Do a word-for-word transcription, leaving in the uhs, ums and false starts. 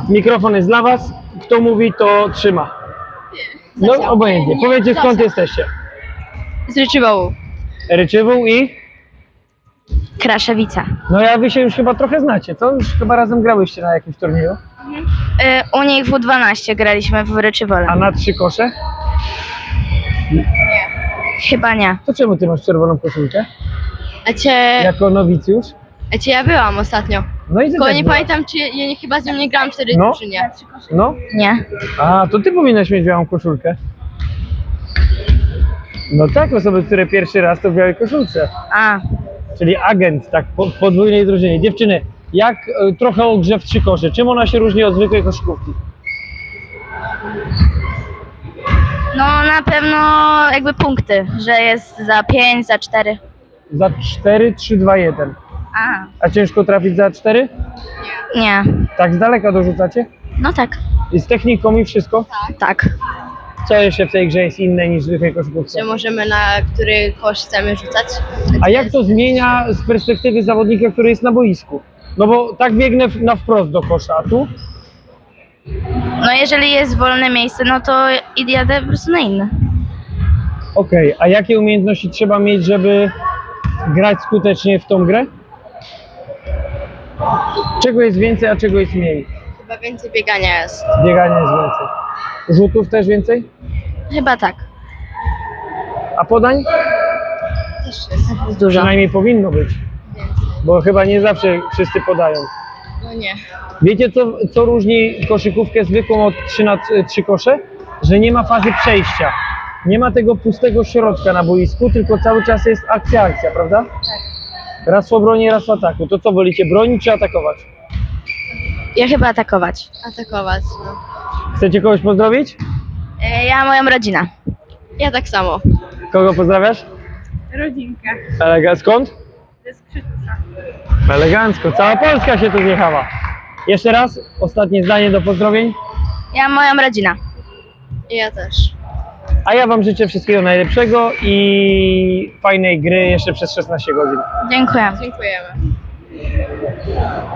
Mikrofon jest dla was. Kto mówi, to trzyma. No obojętnie. Powiedzcie, skąd jesteście. Z Ryczywołu. Ryczywół i... Kraszewica. No ja wy się już chyba trochę znacie, co? Już chyba razem grałyście na jakimś turnieju. Y, u nich w dwanaście graliśmy w Ryczywole. A na trzy kosze? Chyba nie. To czemu ty masz czerwoną koszulkę? A cię, Jako nowicjusz? a cię ja byłam ostatnio. No i ty Tylko też nie byłaś. pamiętam, czy ja nie, chyba z nią nie grałam wtedy, No. czy nie. No? Nie. A, to ty powinnaś mieć białą koszulkę. No tak, osoby, które pierwszy raz to w białej koszulce. A, Czyli agent, tak, po, w podwójnej drużynie. Dziewczyny, jak y, trochę o grze w trzy kosze, czym ona się różni od zwykłej koszykówki? no na pewno jakby punkty, że jest za pięć, za cztery. Za cztery, trzy, dwa, jeden. A, A ciężko trafić za cztery? nie. Tak z daleka dorzucacie? No tak. I z techniką i wszystko? Tak. Co jeszcze w tej grze jest inne niż w zwykłej koszykówce? Że możemy na który kosz chcemy rzucać. A jak to zmienia z perspektywy zawodnika, który jest na boisku? No bo tak biegnę w- na wprost do kosza, a tu? No jeżeli jest wolne miejsce, no to i jadę po prostu na inne. Okej, a jakie umiejętności trzeba mieć, żeby grać skutecznie w tą grę? Czego jest więcej, a czego jest mniej? Chyba więcej biegania jest. Biegania jest więcej. Rzutów też więcej? Chyba tak. A podań? Też jest. Jest dużo. Przynajmniej powinno być. Bo chyba nie zawsze wszyscy podają. No nie. Wiecie, co, co różni koszykówkę zwykłą od trzy na trzy kosze? Że nie ma fazy przejścia. Nie ma tego pustego środka na boisku, tylko cały czas jest akcja, akcja, prawda? Tak. Raz w obronie, raz w ataku. To co, wolicie bronić czy atakować? Ja chyba atakować. Atakować, no. Chcecie kogoś pozdrowić? E, Ja, moją rodzinę. Ja tak samo. Kogo pozdrawiasz? Rodzinkę. Elega- skąd? Ze Skrzytusa. Elegancko, cała Polska się tu zjechała. Jeszcze raz, ostatnie zdanie do pozdrowień. Ja, moją rodzinę. I ja też. A ja wam życzę wszystkiego najlepszego i fajnej gry jeszcze przez szesnaście godzin. Dziękuję. Dziękujemy.